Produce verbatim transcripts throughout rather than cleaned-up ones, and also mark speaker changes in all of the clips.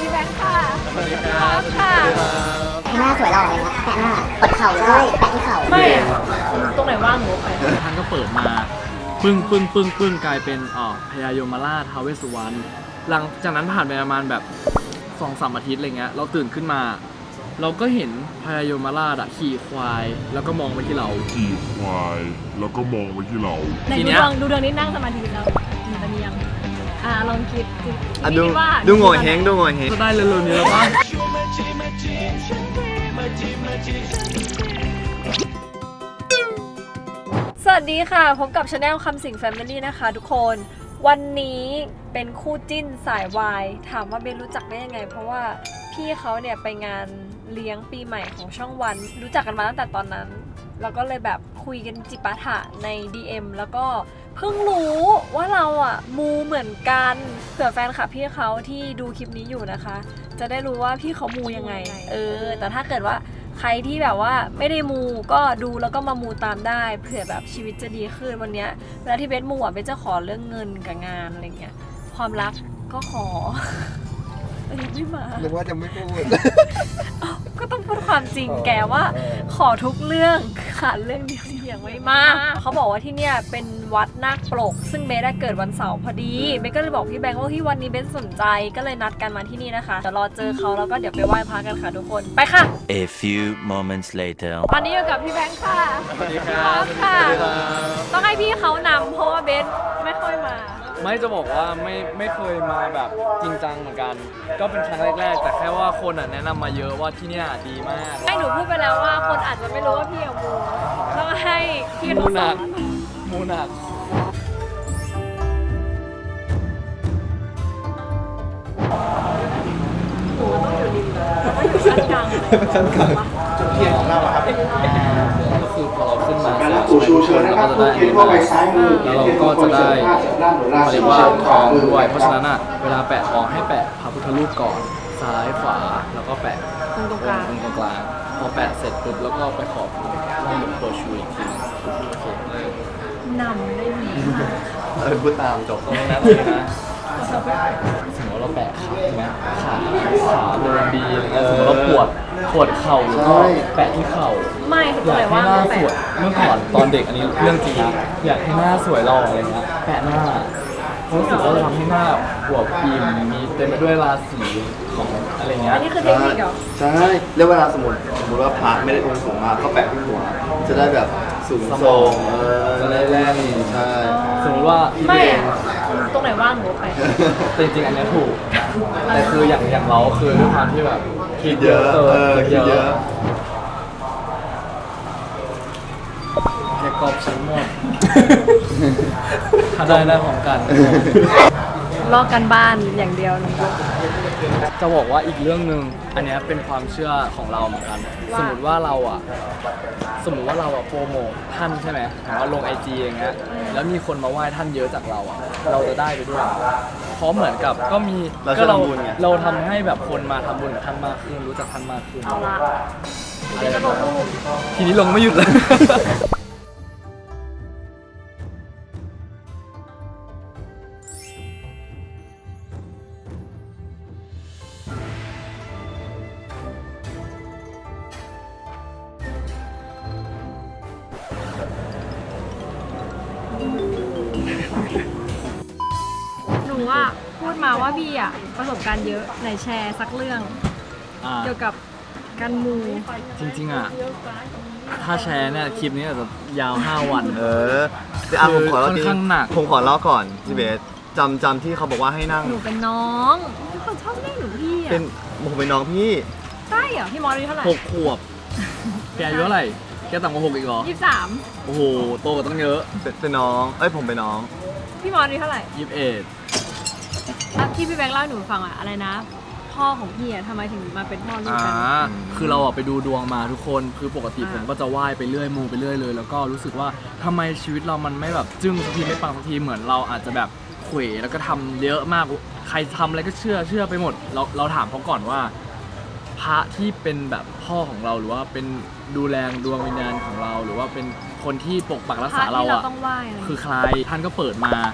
Speaker 1: พี่แบงค์ค่ะ
Speaker 2: สวัสดีครับค่ะ
Speaker 3: หน้าสวยหล่อเลยนะแปะหน้าปดเข่าด้วยแปะที่เข่า
Speaker 1: ไม่ตรงไหนว่างหนูไป
Speaker 2: ท่านก็เปิดมาปึ้งปึ้งปึ้งปึ้งกลายเป็นอ๋อพญายมราชท้าวเวสสุวรรณหลังจากนั้นผ่านไปประมาณแบบสองสามอาทิตย์อะไรเงี้ยเราตื่นขึ้นมาเราก็เห็นพญายมราชอะขี่ควายแล้วก็มองไปที่เรา
Speaker 4: ขี่ควายแล้วก็มองไปที่เรา
Speaker 1: ทีเนี้ยดูดวงนี้นั่งสมาธิแล้วมีตะเนียงอ่าลองคิด
Speaker 5: อ่ะดูดูโง่เฮงดูโง่เฮง
Speaker 2: จะได้เร็วๆนี้แล้วป่ะ
Speaker 1: สวัสดีค่ะพบกับชาแนลคำสิงแฟมิลี่นะคะทุกคนวันนี้เป็นคู่จิ้นสายวายถามว่าเบนรู้จักได้ยังไงเพราะว่าพี่เขาเนี่ยไปงานเลี้ยงปีใหม่ของช่องวันรู้จักกันมาตั้งแต่ตอนนั้นแล้วก็เลยแบบคุยกันจิปาถะใน ดี เอ็ม แล้วก็เพิ่งรู้ว่าเราอ่ะมูเหมือนกันเผื่อแฟนคลับพี่เขาที่ดูคลิปนี้อยู่นะคะจะได้รู้ว่าพี่เขามูยังไงเออแต่ถ้าเกิดว่าใครที่แบบว่าไม่ได้มูก็ดูแล้วก็มามูตามได้เผื่อแบบชีวิตจะดีขึ้นวันนี้เวลาที่เบสมูอ่ะเบสจะขอเรื่องเงินกับงานอะไรเงี้ยความรักก็ขอไม่มา
Speaker 5: หรือว่าจะไม่พูด
Speaker 1: ก็ต้องพูดความจริงแกว่าขอทุกเรื่องขาดเรื่องเดียวที่ยังไม่มากเขาบอกว่าที่เนี่ยเป็นวัดนาคปลกซึ่งเบสได้เกิดวันเสาร์พอดีเบสก็เลยบอกพี่แบงค์ว่าที่วันนี้เบสสนใจก็เลยนัดกันมาที่นี่นะคะเดี๋ยวรอเจอเขาแล้วก็เดี๋ยวไปไหว้พระกันค่ะทุกคนไปค่ะ
Speaker 6: A few moments later
Speaker 1: ตอนนี้อยู่กับพี่แบงค์ค่ะ
Speaker 2: สวัสดีครับ
Speaker 1: ค่ะต้องให้พี่เขานำเพราะว่าเบสไม่ค่อยมา
Speaker 2: ไม่จะบอกว่าไม่ไม่เคยมาแบบจริงจังเหมือนกันก็เป็นครั้งแรกๆแต่แค่ว่าคนอ่ะแนะนำมาเยอะว่าที่นี่ดีมาก
Speaker 1: ให้หนูพูดไปแล้วว่าคนอาจจะไม่รู้ว่าพี่อะมูต้องให้พี่เขาสอน
Speaker 2: มูหนัก
Speaker 1: หนูต้องอยู่ริมแล้วก็อยู่ชั้นกลาง
Speaker 5: ชั้นกลางจุดเทียนของเราครับ
Speaker 2: ก็คือพอเราขึ้นมาแล้วเราก็จะได้อันนี้มาแล้วเราก็จะได้ปริวารทองด้วยเพราะฉะนั้นอ่ะเวลาแปะทองให้แปะพระพุทธรูปก่อนซ้ายขวาแล้วก็แปะ
Speaker 1: ตรงกลาง
Speaker 2: ตรงกลางพอแปะเสร็จปุ๊บแล้วก็ไปขอบให้หลวงปู่ชูอีกทีนึงโอเคน
Speaker 1: ำได้ดี
Speaker 5: เออพูดตามจบ
Speaker 2: ตรงนั้นเลยนะสมมติเราแปะขาใช่ไหมขาขาเดินดีสมมติเราปวดปวดเข่าก็แปะที่เข่า
Speaker 1: ไม่
Speaker 2: อยากให้หน้าสวยเมื่อก่อนตอนเด็กอันนี้เรื่องจริงนะอยากให้หน้าสวยหล่ออะไรเงี้ยแปะหน้ารู้สึกว่าจะทำให้หน้าอวบอิ่มมีเต็มไปด้วยราศีของอะไรเงี้ย
Speaker 1: อันนี้คือเทคนิคเหรอ
Speaker 5: ใช่แล้วเวลาสมมติสมมติว่าพระไม่ได้องค์สูงมากก็แปะที่หัวจะได้แบบสูงส่ง
Speaker 2: จะได้แรง
Speaker 5: ใช่
Speaker 2: สมมติว่า
Speaker 1: ไม่ตรงไหนว่างหนูไป
Speaker 2: จริงๆอันนี้ถูกแต่คืออย่างอย่างเราคือด้วยความที่แบบ
Speaker 5: คิดเยอะเออคิดเยอะ
Speaker 2: แค่กรอบชิ้นหมดถ้าได้ได้ของกัน
Speaker 1: ลอกกันบ้านอย่างเดียวนะ
Speaker 2: จะบอกว่าอีกเรื่องหนึ่งอันนี้เป็นความเชื่อของเราเหมือนกันสมมติว่าเราอ่ะสมมติว่าเราอ่ะโปรโมทท่านใช่ไหมหรือว่าลงไอจีอย่างเงี้ยแล้วมีคนมาไหว้ท่านเยอะจากเราอ่ะเราจะได้ไปด้วยเพราะเหมือนกับก็มีก็เราเราทำให้แบบคนมาทำบุญกับท่านมากขึ้นรู้จักท่านมากขึ้น
Speaker 1: เอาละเดี๋ยวจะลงรูป
Speaker 2: ทีนี้ลงไม่หยุดเลย
Speaker 1: หนูว่าพูดมาว่าพี่อ่ะประสบการณ์เยอะไหนแชร์สักเรื่องเกี่ยวกับการมู
Speaker 2: จริงๆอ่ะถ้าแชร์เนี่ยคลิปนี้อาจจะยาวห้าวัน
Speaker 5: เออแต่อ่ะผมขอเล่า
Speaker 2: ค่อนข้างหนัก
Speaker 5: ผมขอเล่าก่อนพี่เบสจำจำที่เขาบอกว่าให้นั่ง
Speaker 1: หนูเป็นน้องทุกคนชอบเรียกหนูพี่อ่ะ
Speaker 5: เป็นผมเป็นน้องพี่
Speaker 1: ใช่เหรอพี่มอสอายุเท่าไหร่
Speaker 2: หกขวบแกอายุเท่าไหร่แกต่ำกว่าหกอีกเหรอ
Speaker 1: ยี่สิบสาม
Speaker 2: โอ้โหโตกว่าตั้งเยอะ
Speaker 5: เป็นน้องเอ้ยผมเป็นน้อง
Speaker 1: พี่มอสอายุเท่าไหร่
Speaker 2: ยี่สิบเอ็ด
Speaker 1: ที่พี่แบงค์เล่าให้หนูฟังอะอะไรนะพ่อของพี่อะทำไมถึงมาเป็นพ่อลูกกัน
Speaker 2: คือเราอะไปดูดวงมาทุกคนคือปกติผมก็จะไหว้ไปเรื่อยมูไปเรื่อยเลยแล้วก็รู้สึกว่าทำไมชีวิตเรามันไม่แบบจึ้งสักทีไม่ปังสักทีเหมือนเราอาจจะแบบเขวแล้วก็ทำเยอะมากใครทำอะไรก็เชื่อเชื่อไปหมดเราเราถามเขาก่อนว่าพระที่เป็นแบบพ่อของเราหรือว่าเป็นดูแลดวงวิญญาณของเราหรือว่าเป็นคนที่ปกปักรักษาเราอะคือใครท่านก็เปิดมา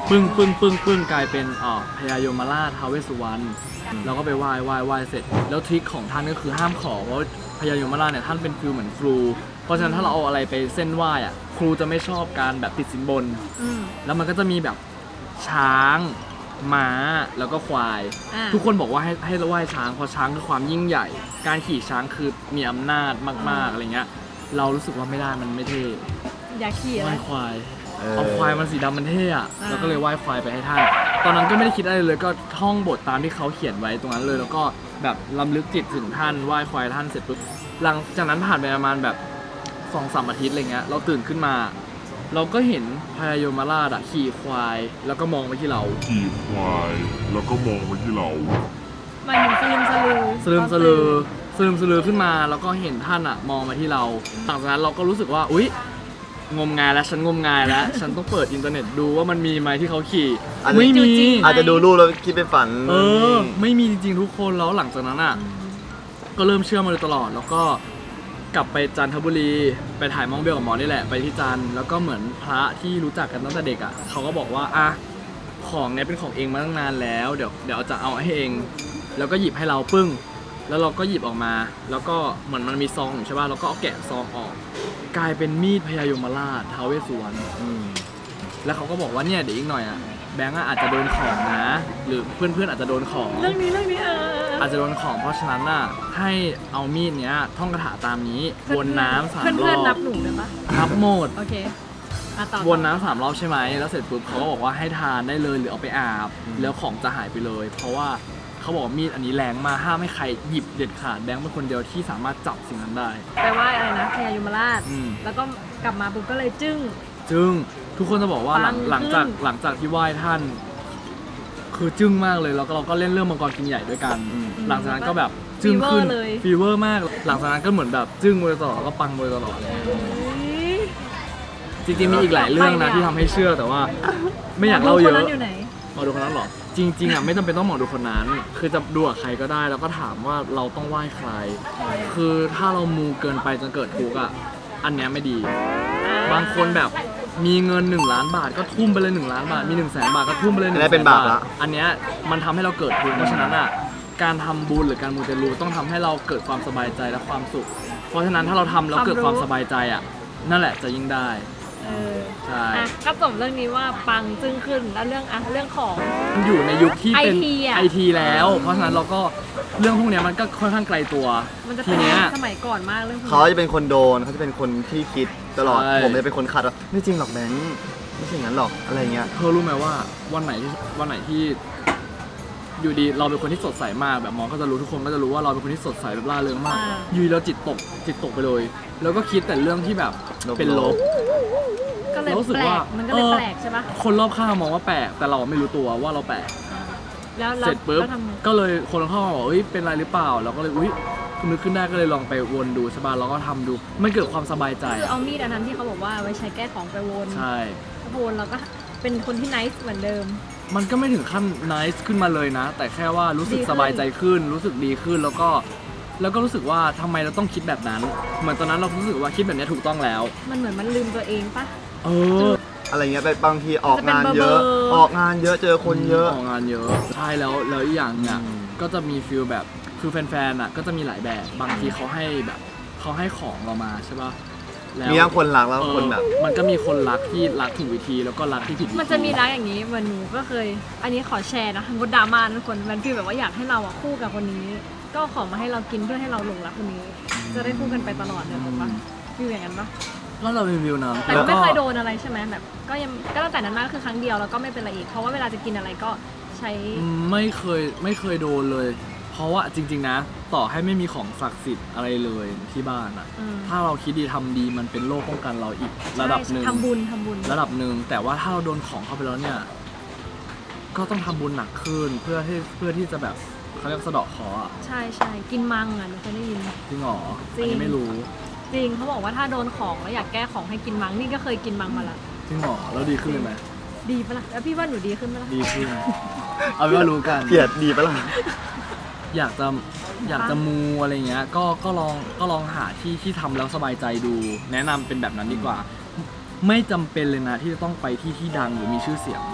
Speaker 2: ปึ้งปึ้งปึ้งปึ้งกลายเป็นอ่าพญายมราชท้าวเวสสุวรรณเราก็ไปไหว้ไหว้ไหว้เสร็จ แล้วทริคของท่านก็คือห้ามขอเพราะพญายมราชเนี่ยท่านเป็นฟิลเหมือนครู เพราะฉะนั้นถ้าเราเอาอะไรไปเส้นไหว้อะครูจะไม่ชอบการแบบติดสินบน
Speaker 1: อืม
Speaker 2: แล้วมันก็จะมีแบบช้างม้าแล้วก็ควาย
Speaker 1: อ่า
Speaker 2: ทุกคนบอกว่าให้ให้ไหว้ช้างเพราะช้างคือความยิ่งใหญ่ การขี่ช้างคือมีอำนาจมากๆอะไรเงี้ยเรารู้สึกว่าไม่ได้มันไม่เท่
Speaker 1: อยากขี่อะ
Speaker 2: ไห
Speaker 1: ไร
Speaker 2: ว้ควาย
Speaker 5: เออ
Speaker 2: เอาควายมันสีดำมันเท่อะ
Speaker 1: อ่า
Speaker 2: แล้วก็เลยไหว้ควายไปให้ท่าน ตอนนั้นก็ไม่ได้คิดอะไรเลยก็ท่องบทตามที่เขาเขียนไว้ตรงนั้นเลย แล้วก็แบบรำลึกจิตถึงท่านไหว้ควายท่านเสร็จปุ๊บหลังจากนั้นผ่านไปประมาณแบบสองสามอาทิตย์อะไรเงี้ยเราตื่นขึ้นมา เราก็เห็นพญายมราชอะขี่ควายแล้วก็มองไปที่เรา
Speaker 4: ขี่ควายแล้วก็มองไปที่เรา
Speaker 1: มันถึงสลึมสลือ
Speaker 2: สลืมสลือสลืมสลือขึ้นมาแล้วก็เห็นท่านอะมองมาที่เราหลังจากนั้นเราก็รู้สึกว่าอุ๊ยงมงายแล้วฉันงมงายแล้ว ฉันต้องเปิดอินเทอร์เน็ตดูว่ามันมีไหมที่เขาขี่
Speaker 5: อันนี้
Speaker 2: ไม่มี
Speaker 5: อาจจะดูรูปแล้วคิดไปฝัน
Speaker 2: เออไม่มีจริงๆทุกคนแล้วหลังจากนั้นอ่ะก็เริ่มเชื่อมาโดยตลอด แล้วก็กลับไปจันทบุรีไปถ่ายมองเบลกับหมอนี่แหละไปที่จันทร์แล้วก็เหมือนพระที่รู้จักกันตั้งแต่เด็กอ่ะเขาก็บอกว่าอ่ะของเนี้ยเป็นของเองมาตั้งนานแล้วเดี๋ยวเดี๋ยวจะเอาให้เอง แล้วก็หยิบให้เราปึ้ง แล้วเราก็หยิบออกมา แล้วก็เหมือนมันมีซองอยู่ใช่ป่ะเราก็เอาแกะซองออก กลายเป็นมีดพญายมราชท้าวเวสสุวรรณ
Speaker 5: อืม
Speaker 2: แล้วเขาก็บอกว่าเนี่ยเดี๋ยวอีกหน่อยอ่ะแบงก์อะอาจจะโดนของนะ หรือเพื่อนๆอาจจะโดนของ
Speaker 1: เรื่องนี้เรื่องนี้เออ
Speaker 2: อาจจะโดนของเพราะฉะนั้นน่ะให้เอามีดเนี้ยท่องคาถาตามนี้วนน้ำสามร
Speaker 1: เพื่อนๆนั
Speaker 2: อ
Speaker 1: บบ หนูได้ปะ
Speaker 2: นับหมด
Speaker 1: โอเคอ่ะต่อ
Speaker 2: วนน้ำสามรอบใช่ไหมแล้วเสร็จปุ๊บเขาก็บอกว่าให้ทานได้เลยหรือเอาไปอาบ แล้วของจะหายไปเลย เพราะว่าเขาบอกว่ามีดอันนี้แรงมากห้ามให้ใครหยิบเด็ดขาดแบงค์เป็นคนเดียวที่สามารถจับสิ่งนั้นได้
Speaker 1: ไปไหว้อะไรนะพญายมราช
Speaker 2: อืม
Speaker 1: แล้วก็กลับมาปุ๊บก็เลยจึ้ง
Speaker 2: จึงทุกคนจะบอกว่าหลัง
Speaker 1: ปัง
Speaker 2: หลังจาก
Speaker 1: ขึ้น
Speaker 2: หลังจากที่ไหว้ท่าน คือจึ้งมากเลยแล้วก็เราก็เล่นเรื่องมังกรกินใหญ่ด้วยกัน หลังจากนั้นก็แบบจึ้งขึ้น
Speaker 1: เลย
Speaker 2: ฟีเวอร์มาก หลังจากนั้นก็เหมือนแบบจึ้งมาโดยตลอดแล้วก็ปังมาโดยตลอดเลย
Speaker 1: เฮ้ย
Speaker 2: จริงๆมีอีกหลายเรื่องนะ
Speaker 1: ไปเนี่ย
Speaker 2: ที่ทำให้เชื่อแต่ว่า ไม่อยากเล่าเย
Speaker 1: หม
Speaker 2: อะ
Speaker 1: ดูคนนั้นอยู่ไหน
Speaker 2: หมอดูคนนั้นเหรอจริงๆอ่ะไม่จำเป็นต้องหมอดูคนนั้น คือจะดูกับใครก็ได้แล้วก็ถามว่าเราต้องไหว้ใคร คือถ้าเรามูเกินไปจนเกิดทุกข์อ่ะอันเนี้ยไม่ดี บางคนแบบมีเงินหนึ่งล้านบาทก็ทุ่มไปเลยหนึ่งล้านบาทมีหนึ่งแสนบาทก็ทุ่มไปเลยห
Speaker 5: อั
Speaker 2: นึ่
Speaker 5: น
Speaker 2: ง
Speaker 5: นี้
Speaker 2: แส
Speaker 5: เป็น
Speaker 2: น
Speaker 5: บา
Speaker 2: บา
Speaker 5: ป
Speaker 2: ท
Speaker 5: ละ
Speaker 2: อันเนี้ยมันทำให้เราเกิดทุกข์เพราะฉะนั้นอ่ะการทำบุญหรือการมูเตลูต้องทำให้เราเกิดความสบายใจและความสุข เพราะฉะนั้นถ้าเราทำแล้วเกิดความสบายใจอ่ะนั่นแหละจะยิ่งได้
Speaker 1: เออ
Speaker 2: ใช่
Speaker 1: อ่ะก็จบเรื่องนี้ว่าปังจึ้งขึ้นแล้วเรื่องอ่ะเรื่องของ
Speaker 2: มันอยู่ในยุคที่เป็น
Speaker 1: ไอที อะ
Speaker 2: ไอทีแล้ว เพราะฉะนั้นเราก็เรื่องพวกเนี้ยมันก็ค่อนข้างไกลตัว
Speaker 1: มันจะ
Speaker 2: ที
Speaker 1: เป็น
Speaker 2: เนี้ย
Speaker 1: สมัยก่อนมากเรื่องพวกนี้
Speaker 5: เขาจะเป็นคนโดนเขาจะเป็นคนที่คิดตลอด
Speaker 2: ใช่
Speaker 5: ผมจะเป็นคนขัดว่าไม่จริงหรอกแบงค์ไม่ใช่อย่างนั้นหรอกอะไรเงี้ย
Speaker 2: เธอรู้ไหมว่าวันไหนที่วันไหนที่ อยู่ดีเราเป็นคนที่สดใสมากแบบมองก็จะรู้ทุกคนก็จะรู้ว่าเราเป็นคนที่สดใสแบบร่าเริงมาก
Speaker 1: อ่า
Speaker 2: อยูดีเราจิตตกจิตตกไปเลย แล้วก็คิดแต่เรื่องที่แบบ
Speaker 5: ลบๆ
Speaker 2: เป็นลบ
Speaker 1: ก็เลย
Speaker 2: รู้สึก
Speaker 1: แปล
Speaker 2: ว่า
Speaker 1: กมันก็เลย
Speaker 2: เออ
Speaker 1: แปลกใช่ปะ
Speaker 2: คนรอบข้างมองว่าแปลกแต่เราไม่รู้ตัวว่าเราแปลก
Speaker 1: แล้วแล้ว
Speaker 2: เสร็จปุ๊บ
Speaker 1: แล้วทำไง
Speaker 2: ก็เลยคนรอบข้างมาบอกเฮ้ยเป็นไรหรือเปล่าเราก็เลยอุ้ยนึกขึ้นได้ก็เลยลองไปวนดูใช่ป่ะเราก็ทำดูมันเกิดความสบายใจ
Speaker 1: คือ
Speaker 2: อะ
Speaker 1: เอามีดอันนั้นที่เขาบอกว่าไว้ใช้แก้ของไปวน
Speaker 2: ใช่
Speaker 1: แล้ววนเราก็เป็นคนที่ไนท์เหมือนเดิม
Speaker 2: มันก็ไม่ถึงขั้นนิสขึ้นมาเลยนะ แต่แค่ว่ารู้สึก
Speaker 1: ดีขึ้น
Speaker 2: สบายใจขึ้น รู้สึกดีขึ้นแล้วก็ แล้วก็รู้สึกว่าทำไมเราต้องคิดแบบนั้น เหมือนตอนนั้นเรารู้สึกว่าคิดแบบนี้ถูกต้องแล้ว
Speaker 1: มันเหมือนมันลืมตัวเองปะ
Speaker 2: เออ
Speaker 5: อะไรเงี้ยไปบางทีออกงาน
Speaker 1: จะเป็น
Speaker 5: เยอะ
Speaker 1: เบอร์ๆ
Speaker 5: ออกงานเยอะเจอคนเยอะ
Speaker 2: ออกงานเยอะใช่แล้วแล้วอีกอย่างเนี่ย
Speaker 5: อืม
Speaker 2: ก็จะมีฟิลแบบคือแฟนๆอ่ะก็จะมีหลายแบบบางทีเขาให้แบบเขาให้ของเรามาใช่ป่ะแล้ว
Speaker 5: มีทั้งคนรักแล้ว
Speaker 2: เออ
Speaker 5: คนแบบ
Speaker 2: มันก็มีคนรักที่รักถูกวิธีแล้วก็รักที่ผิดวิธี
Speaker 1: มันจะมีรักอย่างนี้เหมือนหนูก็เคย อันนี้ขอแชร์นะมดดราม่านะทุกคนมันฟีลแบบว่าอยากให้เราอ่ะคู่กับคนนี้ ก็เอาของมาให้เรากินเพื่อให้เราหลงรักคนนี้ จะได้คู่กันไปตลอดเลยถูกปะฟีลอย่างนั้นปะ
Speaker 2: แล้วเรารีวิวนะ
Speaker 1: แต่ก็ไม่เคยโดนอะไรใช่ไหมแบบก็ยังก็ตั้งแต่นั้นมาก็คือครั้งเดียวแล้วก็ไม่เป็นไรอีกเพราะว่าเวลาจะกินอะไรก็ใช้
Speaker 2: ไม่เคยไม่เคยโดนเลย เพราะว่าจริง ๆ นะ ต่อให้ไม่มีของศักดิ์สิทธิ์อะไรเลยที่บ้านอะ
Speaker 1: อืม
Speaker 2: ถ้าเราคิดดีทำดีมันเป็นโล่ป้องกันเราอีกระดับหนึ่ง
Speaker 1: ทำบุญทำบุญ
Speaker 2: ระดับหนึ่งแต่ว่าถ้าเราโดนของเข้าไปแล้วเนี่ย ก็ต้องทำบุญหนักขึ้นเพื่อที่เพื่อที่จะแบบเขาเรียกสะเดาะเคราะห์อะ
Speaker 1: ใช่ใช่กินมังอ่ะหนูเคยได้ยิน
Speaker 2: จริงเหรอ
Speaker 1: จริง
Speaker 2: อันนี้ไม่รู้
Speaker 1: จริงเขาบอกว่าถ้าโดนของแล้วอยากแก้ของให้กินมังนี่ก็เคยกินมังมาละ
Speaker 2: จริงเหรอแล้วดีขึ้นเลยไหม
Speaker 1: ดีปะล่ะแล้วพี่ว่าหนูดีขึ้นปะล่ะ
Speaker 2: ดีขึ้น เอาเป็นว่ารู้กัน
Speaker 5: เกลียดดีปะล่ะ
Speaker 2: อยากจะอยากจะมูอะไรเงี้ยก็ก็ลองก็ลองหาที่ที่ทำแล้วสบายใจดู แนะนำเป็นแบบนั้นดีกว่า ไม่จำเป็นเลยนะที่จะต้องไปที่ที่ดังหรือมีชื่อเสียง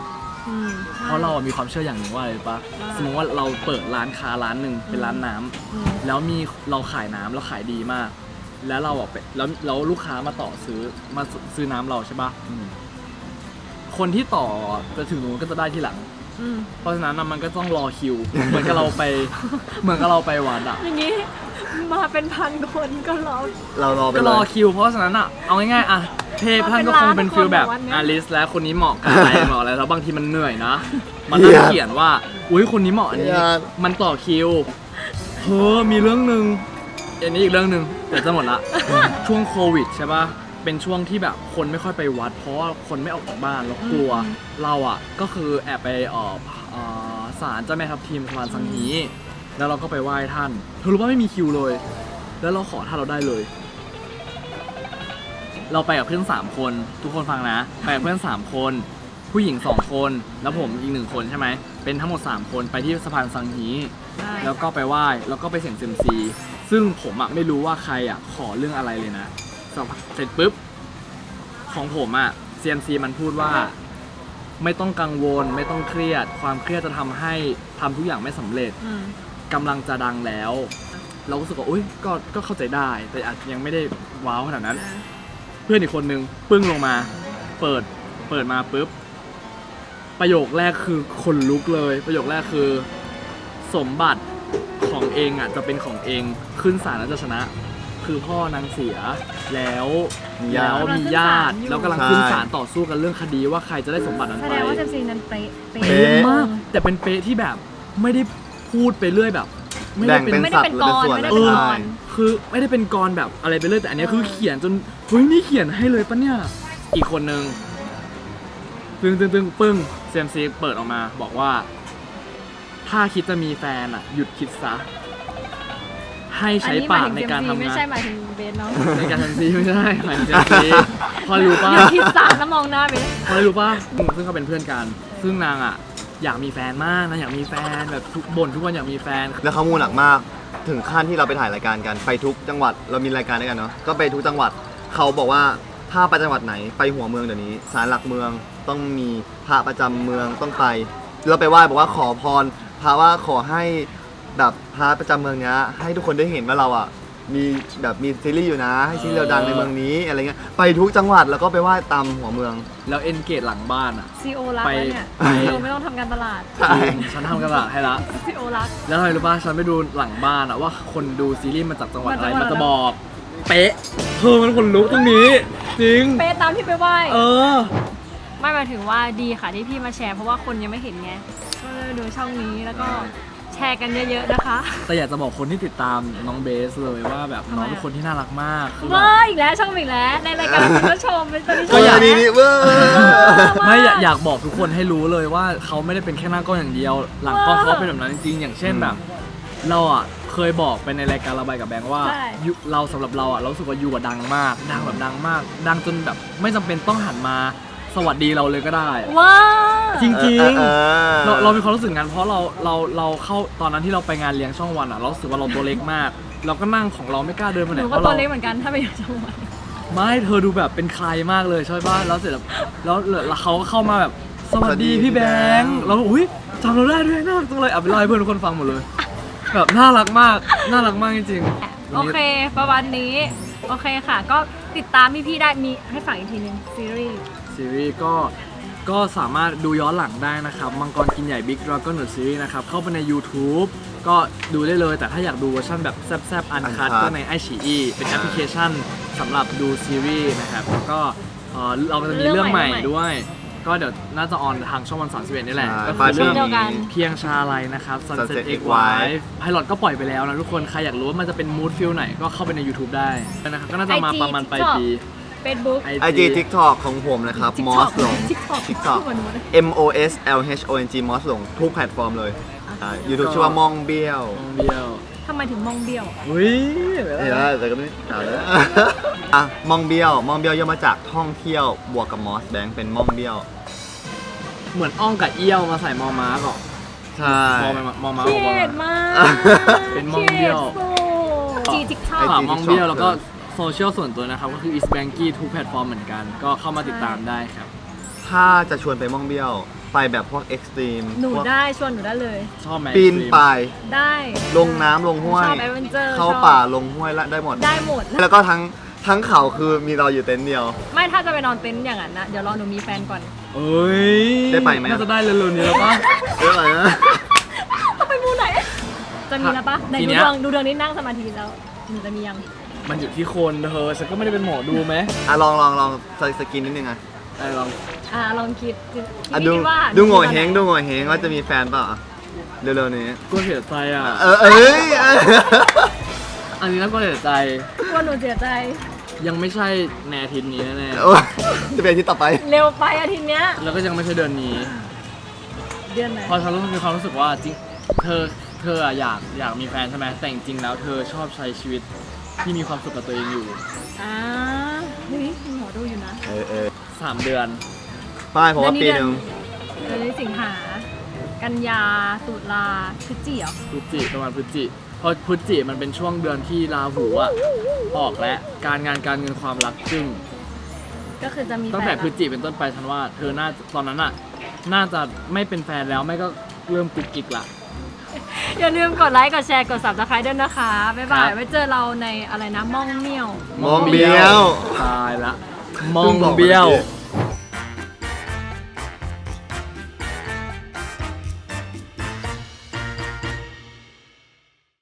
Speaker 1: อืม
Speaker 2: เพราะเรามีความเชื่ออย่างหนึ่งว่าอะไรรู้ปะสมมติว่าเราเปิดร้านค้าร้านหนึ่งเป็นร้านน้ำ
Speaker 1: อืม
Speaker 2: แล้วมีเราขายน้ำแล้วขายดีมาก แล้วเราอ่ะไปแล้วแล้วลูกค้ามาต่อซื้อมาซื้อน้ำเราใช่ปะคนที่ต่อจะถึงนู้นก็จะได้ที่หลัง
Speaker 1: อืม
Speaker 2: เพราะฉะนั้นน่ะมันก็ต้องรอคิว เหมือนกับเราไปเหมือนกับเราไปวัดอ่ะ
Speaker 1: อย่างนี้มาเป็นพันคนก็รอ
Speaker 5: เรารอไป
Speaker 2: ก็
Speaker 5: เล
Speaker 2: รอย คิว เพราะฉะนั้นอ่ะเอาง่ายๆอ่ะเทพท่านก็คงเป็นฟิลแบบ
Speaker 1: มาเป็นล้านคนอะวันเนี้ย
Speaker 2: อาลิสและคนนี้เหมาะกับอะไรเหมาะอะไรแล้วบางทีมันเหนื่อยนะมันต้องเขียนว่าอุ้ยคนนี้เหมาะอันนี้มันต่อคิวเฮ้อมีเรื่องหนึ่งอันนี้อีกเรื่องหนึ่งแต่จะหมดละ ช่วงโควิดใช่ป่ะเป็นช่วงที่แบบคนไม่ค่อยไปวัด เพราะว่าคนไม่ออกจากบ้านแล้วกลัวเราอ่ะก็คือแอบไปเอ่อเอ่อศาลเจ้าแม่ทับทิมสมานสังฮีแล้วเราก็ไปไหว้ท่านเธอรู้ว่าไม่มีคิวเลย แล้วเราขอท่านเราได้เลย เราไปกับเพื่อนสามคนทุกคนฟังนะไปกับเพื่อนสามคนผู้หญิงสองคนแล้วผมอีกหนึ่งคนใช่ไหมเป็นทั้งหมดสามคนไปที่สะพานสังฮีแล้วก็ไปไหว้แล้วก็ไปเสี่ยงเซียมซีซึ่งผมอ่ะไม่รู้ว่าใครอ่ะขอเรื่องอะไรเลยนะเสร็จปุ๊บของผมอ่ะเซียมซีมันพูดว่าไม่ต้องกังวลไม่ต้องเครียดความเครียดจะทำให้ทำทุกอย่างไม่สำเร็จ
Speaker 1: อืม
Speaker 2: กำลังจะดังแล้ว เราก็รู้สึกว่าอุ้ยก็ก็เข้าใจได้แต่อาจยังไม่ได้ว้าวขนาดนั้น เพื่อนอีกคนนึงปึ้งลงมา เปิดเปิดมาปุ๊บประโยคแรกคือคนลุกเลย ประโยคแรกคือสมบัติของเองอ่ะจะเป็นของเองขึ้นศาลแล้วจะชนะ คือพ่อนางเสียแล้วแล้วมีญาติแล้วกำลังขึ้นศาลต่อสู้กันเรื่องคดีว่าใครจะได้สมบัตินั้น
Speaker 1: แส
Speaker 2: ไป
Speaker 1: ดงว่าเซมซีนั้นเป๊ะเป๊ะ
Speaker 2: เป๊ะมากแต่เป็นเป๊ะที่แบบไม่ได้พูดไปเรื่อยแบบ ไม่ได้
Speaker 5: แบ่ง
Speaker 2: เป็น
Speaker 5: เป็น
Speaker 1: ไม่ได้
Speaker 5: สัต
Speaker 1: เป็น
Speaker 5: ว์หรือ
Speaker 1: ก
Speaker 5: เป็น
Speaker 1: ร
Speaker 5: ส่วน
Speaker 1: ไม่ได้
Speaker 2: เอ
Speaker 1: เป็น
Speaker 2: อ
Speaker 1: กร
Speaker 2: คือไม่ได้เป็นกรแบบอะไรไปเรื่อยแต่อันเนี้ยคือเขียนจนเฮ้ยนี่เขียนให้เลยปะเนี่ยอีกคนนึงตึงตึงตึงปึ้งเซมซีเปิดออกมาบอกว่า ถ้าคิดจะมีแฟนอ่ะ หยุดคิดซะให้ใช้ปากในการทำ
Speaker 1: ไม่
Speaker 2: งาน
Speaker 1: ใช่หมายถึงเบสเนาะ
Speaker 2: ในการทำซีไม่ใช่หมายถึงเซมซีพอรู้ป่ะ
Speaker 1: อย่าคิดสามแล้วมองหน้าเบส
Speaker 2: พอรู้ป่ะซึ่งเขาเป็นเพื่อนกัน ซึ่งนางอ่ะอยากมีแฟนมากนะอยากมีแฟนแบบทุกบ่นทุกวันอยากมีแฟน
Speaker 5: แล้วเขามูหนักมากถึงขั้นที่เราไปถ่ายรายการกันไปทุกจังหวัดเรามีรายการด้วยกันเนาะก็ไปทุกจังหวัดเขาบอกว่าถ้าไปจังหวัดไหนไปหัวเมืองเดี๋ยวนี้ศาลหลักเมืองต้องมีพระประจำเมืองต้องไปเราไปไหว้บอกว่าขอพรพระว่าขอให้แบบพระประจำเมืองเนี้ยให้ทุกคนได้เห็นว่าเราอ่ะมีแบบมีซีรีส์อยู่นะให้ซีรีส์เราดังในเมืองนี้อะไรเงี้ยไปทุกจังหวัดแล้วก็ไปไหว้ตามหัวเมือง
Speaker 2: แล้วเอ็นเกตหลังบ้านอ่ะ
Speaker 1: ซีโอรักแล้วเนี่ย
Speaker 2: ไป
Speaker 1: ซีโอไม่ต้องทำการตลาด
Speaker 5: ใช่
Speaker 2: ฉันทำกระดาษให้ละ
Speaker 1: ซีโอรัก
Speaker 2: แล้วอะไรรู้ป่ะฉันไปดูหลังบ้านอะว่าคนดูซีรีส์มาจากจังหวัดอะไร
Speaker 1: มาจากจังหวัด
Speaker 2: มันจะบอก เป๊ะเธอมันคนลุกตรงนี้ จริง
Speaker 1: เป๊ะตามที่ไปไหว้
Speaker 2: เออ
Speaker 1: ไม่หมายถึงว่าดีค่ะที่พี่มาแชร์เพราะว่าคนยังไม่เห็นไงก็เลยดูช่องนี้แล้วก็แชร์กันเยอะๆนะคะ
Speaker 2: แต่อยากจะบอกคนที่ติดตามน้องเบสเลยว่าแบบน้องเป็นคนที่น่ารักมากคือแบบ
Speaker 1: ว้าอีกแล้วช่องอีกแล้วในรายการคุณผู้ชมเป็นตอนนี้ช
Speaker 5: ก็
Speaker 1: ม
Speaker 5: อย่างนี้นี่เว้ย
Speaker 2: ไม่อยากอยากบอกทุกคนให้รู้เลยว่าเขาไม่ได้เป็นแค่หน้ากล้องอย่างเดียว หลังกล้องเขาเป็นแบบนั้นจริงๆอย่างเช่นแบบ เราอ่ะเคยบอกไปในรายการระบายกับแบงค์ว่ายุเราสำหรับเราอ่ะเรารู้สึกว่ายูอ่ะดังมาก ดังแบบดังมาก ดังจนแบบไม่จำเป็นต้องหันมาสวัสดีเราเลยก็ได้
Speaker 1: ว้า
Speaker 2: จริง
Speaker 5: เออ
Speaker 2: ๆเราเรามีความรู้สึกงั้นเพราะเราเราเราเข้าตอนนั้นที่เราไปงานเลี้ยงช่องวันอ่ะเรารู้สึกว่าเราตัวเล็กมาก เราก็นั่งของเราไม่กล้าเดินไป
Speaker 1: ห
Speaker 2: ไหน
Speaker 1: นู
Speaker 2: เพ
Speaker 1: ก็
Speaker 2: ราะ
Speaker 1: ตัว
Speaker 2: เรา
Speaker 1: เล็กเหมือนกันถ้าไปอยู่จังหวัด
Speaker 2: ไม่เธอดูแบบเป็นใครมากเลยใช่ป่ะแล้วเสร็จแล้วแล้วแล้วเขาก็เข้ามาแบบสวัสดีพี่แบงค์เราก็อุ้ยจำเราได้ด้วยน่ารักจังเลยเอาไปเล่าให้เพื่อนทุกคนฟังหมดเลยแบบน่ารักมากน่ารักมากจริงๆ
Speaker 1: โอเคประมาณนี้โอเคค่ะ ก็ติดตามพี่ๆได้มีให้ฝากอีกทีนึงซีรีส์
Speaker 2: ซีรีส์ก็ก็สามารถดูย้อนหลังได้นะครับมังกรกินใหญ่บิ๊กดราก้อนหรือซีรีส์นะครับเข้าไปใน YouTube ก็ดูได้เลยแต่ถ้าอยากดูเวอร์ชันแบบแซ่บๆอันคัด
Speaker 5: Uncut
Speaker 2: ก็ในไอชีอีเป็นแอปพลิเคชันสำหรับดูซีรีส์นะครับแล้วก็เอ่อเราก็จะมีเรื่องใหม่ด้วย ก็เดี๋ยวน่าจะออนทางช่องวันสามสิบเอ็ดนี่แหละ
Speaker 5: ใช่
Speaker 2: ก็คือเรื่อง
Speaker 1: เดียวกัน
Speaker 2: เพียงชาลัยนะครับ Sunset
Speaker 5: Sunset
Speaker 2: X
Speaker 5: X
Speaker 2: Wife ไพลอตก็ปล่อยไปแล้วนะทุกคนใครอยากรู้ว่ามันจะเป็นมูดฟิลไหนก็เข้าไปใน YouTube ได้นะครับก็น่าจะมาประมาณปลายปี
Speaker 1: Facebook
Speaker 5: ไอจี TikTok ของผมนะครับ มอสหลง
Speaker 1: TikTok
Speaker 5: TikTok
Speaker 1: เหมือนหนูเลย
Speaker 5: M O S L H O N G มอสหลงทุกแพลตฟอร์มเลยอ่า YouTube ชื่อว่ามองเบี้ยว
Speaker 2: มองเบี้ยว
Speaker 1: ทำไมถึงมองเบี้ยว
Speaker 2: อุ้ย
Speaker 5: นี่นะแต่ก็ไม่เอาเลย อ่ะมองเบี้ยวมองเบี้ยวย่อมาจากท่องเที่ยวบวกกับมอสแบงค์เป็นมองเบี้ยว
Speaker 2: เหมือนอ้องกับเอี้ยวมาใส่มอม้าก่อน
Speaker 5: ใช่
Speaker 2: มอมามอม้า
Speaker 1: เขี
Speaker 2: บอก
Speaker 1: ย
Speaker 2: ว่า
Speaker 1: ดมาก
Speaker 2: เป็นมองเบี้ยว
Speaker 1: จีทิกทอ
Speaker 2: ฝาก
Speaker 1: ก
Speaker 2: มองเบี้ยวแล้วก็โซเชียลส่วนตัวนะครับก็คือ East Banky ทุกแพลตฟอร์มเหมือนกัน ก็เข้ามาติดตามได้ครับ
Speaker 5: ถ้าจะชวนไปมองเบี้ยวไปแบบพวกเอ็กซ์ตรีม
Speaker 1: หนูได้ชวนหนูได้เลย
Speaker 2: ชอบไหม
Speaker 5: ปีนป่าย
Speaker 1: ได้
Speaker 5: ลงน้ำลงห้วย
Speaker 1: ชอบแอดเวนเจอร์
Speaker 5: เข้า
Speaker 1: ชอบ
Speaker 5: ป่าลงห้วยละได้หมด
Speaker 1: ได้หมด
Speaker 5: แล้วก็ทั้งทั้งเขาคือมีเราอยู่เต็นท์เดียว
Speaker 1: ไม่ถ้าจะไปนอนเต็นท์อย่างนั้นนะเดี๋ยวรอหนูมีแฟนก่อน
Speaker 2: เอ้ย
Speaker 5: ได้ไปไหม
Speaker 2: น่าจะได้เร็วๆนี้แล้วป่ะ
Speaker 5: เรื่องอะไรนะ
Speaker 1: ไปมูไหน จะมีแล้วปะไหน
Speaker 2: ที
Speaker 1: ดู
Speaker 2: เนี้ย
Speaker 1: ดวงดูดวงนี้นั่งสมาธิแล้วหนูจะมียัง
Speaker 2: มันอยู่ที่คนเธอฉันก็ไม่ได้เป็นหมอดูไหม
Speaker 5: อ่ะลองลองลองสสกินนิดนึงอ่ะ
Speaker 2: ไอ้ลอง
Speaker 1: อ่าลองคิดคิด
Speaker 5: อ่ะ
Speaker 1: พี่
Speaker 5: ดู
Speaker 1: คิดว่า
Speaker 5: ดูโง่เฮงดูโง่เฮงว่าจะมีแฟนเปล่าอ่ะเร็วๆนี้
Speaker 2: ก็เสียใจอ่ะ
Speaker 5: เออเอ้ยเออ
Speaker 2: อันนี้น่าก็เสียใจ
Speaker 1: กลัวหนูเสียใจ
Speaker 2: ยังไม่ใช่ในอาทิตย์นี้แน่
Speaker 5: โอ้ยจะเป็นอาที่ต่อไป
Speaker 1: เร็วไปอาทิตย์เนี้ย
Speaker 2: ๆแล้วก็ยังไม่ใช่เดือนนี้
Speaker 1: เดือนไหน
Speaker 2: เพราะฉันรู้มีความรู้สึกว่าจริงเธอเธออะอยากอยากมีแฟนใช่ไหมแต่จริงๆแล้วเธอชอบใช้ชีวิตที่มีความสุขกับตัวเองอยู่
Speaker 1: อ่าเฮ้ยมีหมอดูอยู่นะ
Speaker 5: เออเออ
Speaker 2: สามเดือน
Speaker 5: ป้ายผมว่าปีหนึ่ง
Speaker 1: เดือนนี้สิงหา กันยา ตุลาพฤศจิกเหรอ
Speaker 2: พฤศจิประมาณพฤศจิเพราะพฤศจิมันเป็นช่วงเดือนที่ราหูอะออกและการงานการเงินความรักจึง
Speaker 1: ก็คือจะมี
Speaker 2: ตั้งแต่
Speaker 1: ฟน
Speaker 2: พฤศจิเป็นต้นไปฉันว่าเธอน่าตอนนั้นอะน่าจะไม่เป็นแฟนแล้วไม่ก็เริ่มกุ๊กกิ๊กละ
Speaker 1: อย่าลืมกดไลค์ กดแชร์ กด ซับสไครบ์ ด้วยนะคะ บ๊ายบาย
Speaker 2: ครับ
Speaker 1: ไว้เจอเราในอะไรนะ ม่องเมี่ยว
Speaker 5: มองเบี้ยว
Speaker 2: ตายละมองเบี้ยว
Speaker 5: เพิ่งบอกเมื่อกี้